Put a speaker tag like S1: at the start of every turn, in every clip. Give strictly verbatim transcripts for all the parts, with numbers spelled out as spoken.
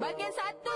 S1: bahagian satu.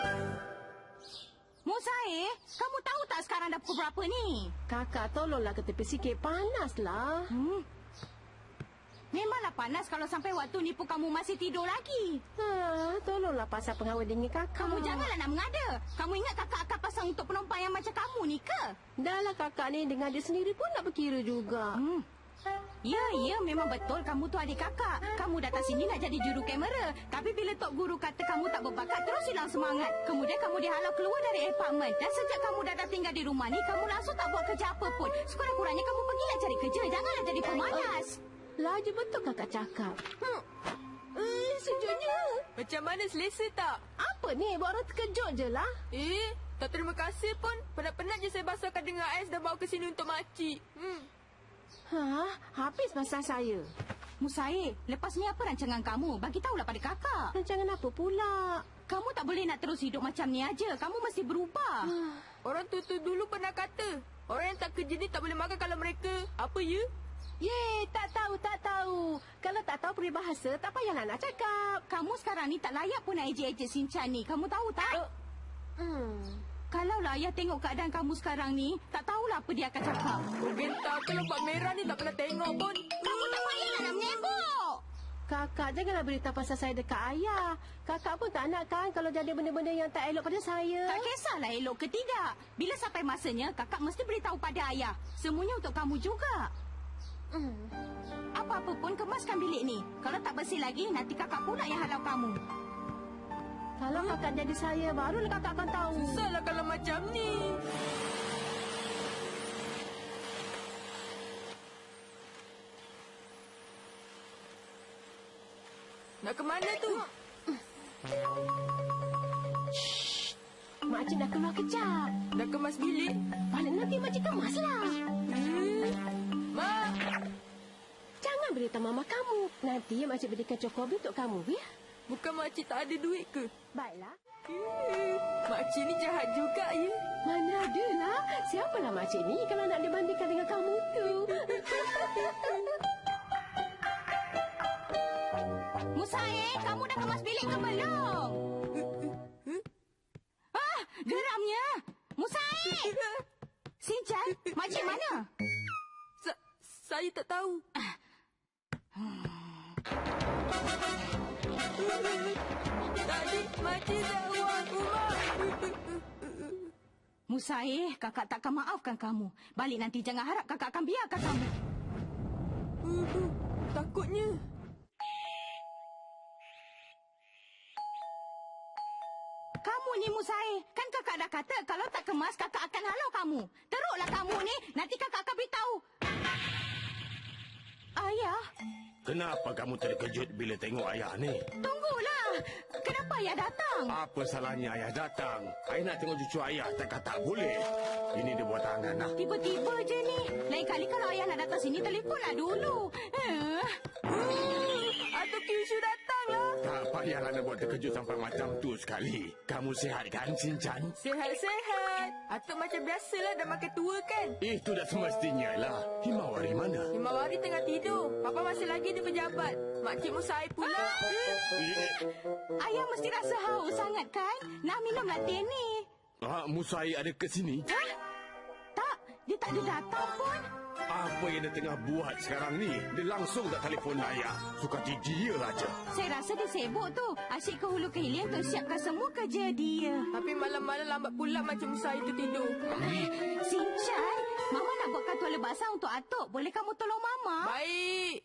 S2: Musair, kamu tahu tak sekarang dah pukul berapa ni?
S3: Kakak tolonglah ke tepi sikit, panaslah.
S2: Hmm. Memanglah panas kalau sampai waktu ni pun kamu masih tidur lagi.
S3: Ha, tolonglah pasang pengawet dingin kakak.
S2: Kamu janganlah nak mengada. Kamu ingat kakak akan pasang untuk penumpang yang macam kamu ni ke?
S3: Dahlah kakak ni dengan dia sendiri pun nak berkira juga.
S2: Hmm. Ya, ya, memang betul kamu tu adik kakak. Kamu datang sini nak jadi juru kamera. Tapi bila Tok Guru kata kamu tak berbakat, terus hilang semangat. Kemudian kamu dihalau keluar dari apartmen. Dan sejak kamu dah, dah tinggal di rumah ni, kamu langsung tak buat kerja apa pun. Sekurang-kurangnya kamu pergilah cari kerja. Janganlah jadi pemalas.
S3: Laju betul kakak cakap. Hmm. Eh, sejuknya.
S1: Macam mana, selesa tak?
S3: Apa ni? Buat orang terkejut je lah.
S1: Eh, tak terima kasih pun. Penat-penat je saya basahkan dengan ais dan bawa ke sini untuk makcik. Hmm.
S3: Ha, habis masa saya.
S2: Musair, lepas ni apa rancangan kamu? Bagi tahulah pada kakak.
S3: Rancangan apa pula?
S2: Kamu tak boleh nak terus hidup macam ni aja. Kamu mesti berubah.
S1: Orang tua-tua dulu pernah kata, orang yang tak kerja ni tak boleh makan kalau mereka... Apa ya?
S3: Ye, tak tahu, tak tahu. Kalau tak tahu peribahasa, tak payahlah nak cakap.
S2: Kamu sekarang ni tak layak pun nak ejek-ejek Sinchan ni. Kamu tahu tak?
S3: Uh, hmm.
S2: Kalaulah ayah tengok keadaan kamu sekarang ni, tak tahulah apa dia akan cakap.
S1: Oh, gentar, kalau Pak Merah ni tak pernah tengok pun.
S2: Kamu tak payahlah nak menyebuk.
S3: Kakak, janganlah beritahu pasal saya dekat ayah. Kakak pun tak nak kan kalau jadi benda-benda yang tak elok pada saya.
S2: Tak kisahlah elok ke tidak. Bila sampai masanya, kakak mesti beritahu pada ayah. Semuanya untuk kamu juga. Hmm. Apa-apa pun kemaskan bilik ni. Kalau tak bersih lagi, nanti kakak pula yang halau kamu.
S3: Kalau hmm? kakak jadi saya, barulah kakak akan tahu.
S1: Susahlah kalau macam ni. Nak ke mana tu?
S3: Shh. Makcik dah keluar kejap.
S1: Dah kemas bilik?
S3: Balik nanti makcik kemaslah.
S1: Hmm. Mak!
S3: Jangan beritahu mama kamu. Nanti makcik berikan cokobi untuk kamu, ya?
S1: Bukan makcik tak ada duit ke?
S3: Baiklah.
S1: Hmm. Makcik ni jahat juga, ya?
S3: Mana adalah. Siapalah makcik ni kalau nak dibandingkan dengan kamu tu.
S2: Musair, kamu dah kemas bilik ke belum? Ah, geramnya. Musair! Sinchan, makcik mana?
S1: Sa saya tak tahu. Tadi makcik dah buang rumah.
S2: Musair, kakak takkan maafkan kamu. Balik nanti jangan harap kakak akan biarkan kamu.
S1: Uh, takutnya.
S2: Kamu ni Musair, kan kakak dah kata kalau tak kemas kakak akan halau kamu. Teruklah kamu ni, nanti kakak akan beritahu. Ayah.
S4: Kenapa kamu terkejut bila tengok ayah ni?
S2: Tunggulah. Kenapa ayah datang?
S4: Apa salahnya ayah datang? Ayah nak tengok cucu ayah, takkan tak boleh. Ini dia buat tangan lah.
S2: Tiba-tiba je ni. Lain kali kalau ayah nak datang sini, telefonlah dulu. Uh.
S1: Uh, Atuk Kyushu datang lah.
S4: Tak payahlah nak buat terkejut sampai macam tu sekali. Kamu sihat kan, Sinchan?
S1: Sihat-sihat. Atuk macam biasalah dah makin tua kan?
S4: Itu dah semestinya lah. Himawari mana?
S1: Himawari tengah tidur. Papa masih lagi di pejabat. Makcik Musair pula.
S2: Ayah mesti rasa haus sangat kan? Nak minumlah teh ni.
S4: Ah, Musair ada ke sini?
S2: Hah? Tak, dia tak ada datang pun.
S4: Apa yang dia tengah buat sekarang ni? Dia langsung tak telefon ayah. Suka dia aja.
S2: Saya rasa dia sibuk tu. Asyik ke hulu ke hilir untuk siapkan semua kerja dia.
S1: Tapi malam-malam lambat pula Makcik Musair tu tidur.
S2: Sinchan, Mama nak buatkan tuala basah untuk Atuk. Boleh kamu tolong Mama?
S1: Baik.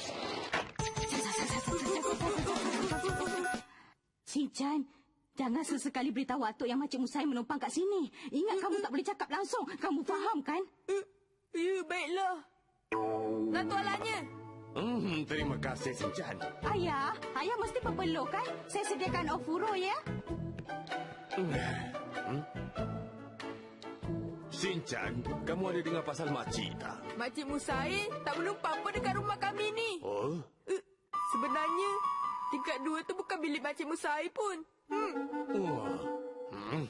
S2: Sinchan, jangan sesekali beritahu Atuk yang Makcik Musair menumpang kat sini. Ingat kamu tak boleh cakap langsung. Kamu faham kan?
S1: Ya, baiklah. Nak tualannya?
S4: Hmm, terima kasih, Sinchan.
S2: Ayah, ayah mesti berpeluh kan? Saya sediakan ofuro ya.
S4: Hmm? Sinchan, kamu ada dengar pasal makcik tak?
S1: Makcik Musair tak menumpang pun dekat rumah kami ni.
S4: Oh?
S1: Uh, sebenarnya, tingkat dua tu bukan bilik Makcik Musair pun. Hmm.
S4: Oh. Hmm.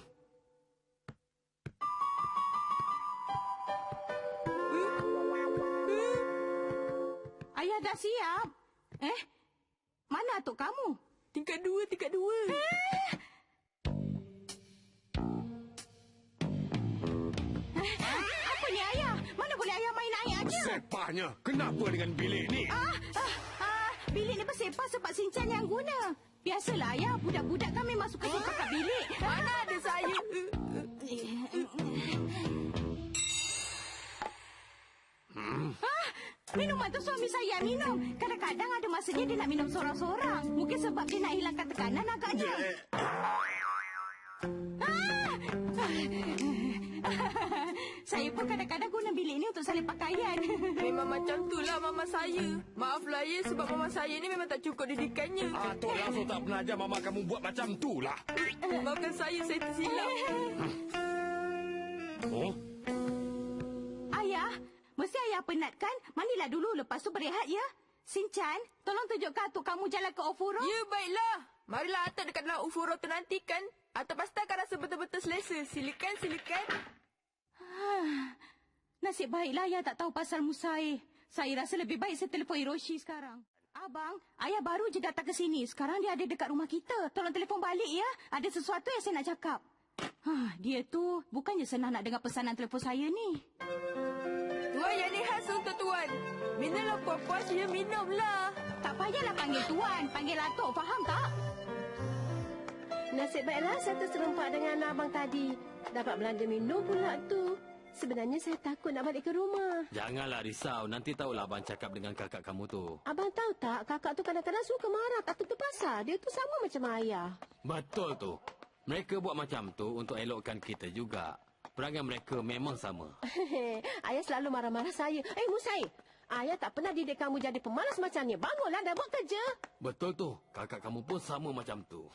S2: Ayah dah siap. Eh, mana atuk kamu?
S1: Tingkat dua, tingkat dua.
S2: Eh,
S4: Bersepahnya. Kenapa dengan bilik ni?
S2: Ah, ah, ah, bilik ni bersepah sebab Sinchan yang guna. Biasalah ayah, budak-budak kan memang suka sepah kat bilik.
S1: Mana ada saya?
S2: Ah, minuman tu suami saya yang minum. Kadang-kadang ada masanya dia nak minum sorang-sorang. Mungkin sebab dia nak hilangkan tekanan agaknya. Ah! Saya pun kadang-kadang guna bilik ni untuk salin pakaian.
S1: Memang macam tu lah mama saya. Maaflah ya sebab mama saya ni memang tak cukup didikannya.
S4: Atuk langsung tak pernah ajar mama kamu buat macam tu lah.
S1: Maafkan saya, saya tersilap.
S4: Oh?
S2: Ayah, mesti ayah penat kan? Mandilah dulu, lepas tu berehat ya. Sinchan, tolong tunjukkan atuk kamu jalan ke Ofuro.
S1: Ya, baiklah. Marilah Atuk dekat dalam Ufuro tu nanti kan. Atuk pasti akan rasa betul-betul selesa. Silakan, silakan.
S2: Ah, nasib baiklah ayah tak tahu pasal Musai. Saya rasa lebih baik saya telefon Hiroshi sekarang. Abang, ayah baru je datang ke sini. Sekarang dia ada dekat rumah kita. Tolong telefon balik ya. Ada sesuatu yang saya nak cakap. Ah, dia tu bukannya senang nak dengar pesanan telefon saya ni.
S1: Tuan yang ni khas untuk tuan. Minumlah puan-puan, saya minumlah.
S2: Tak payahlah panggil tuan. Panggil atuk, faham tak?
S3: Nasib baiklah saya terserempak dengan abang tadi. Dapat belanja minum pula tu. Sebenarnya saya takut nak balik ke rumah.
S5: Janganlah risau. Nanti tahulah abang cakap dengan kakak kamu tu.
S3: Abang tahu tak, kakak tu kadang-kadang suka marah tak tentu pasal. Dia tu sama macam ayah.
S5: Betul tu. Mereka buat macam tu untuk elokkan kita juga. Perangai mereka memang sama.
S3: Ayah selalu marah-marah saya. Eh, Musai. Ayah tak pernah didik kamu jadi pemalas macam ni. Bangunlah dah buat kerja.
S5: Betul tu. Kakak kamu pun sama macam tu.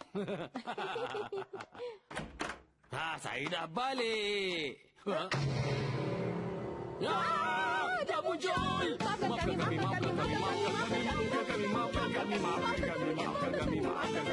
S5: Ha, saya dah balik. Ha? Ya! Tak muncul!
S3: Maafkan kami, maafkan kami, maafkan kami, maafkan kami, maafkan kami, maafkan kami, maafkan kami, maafkan kami.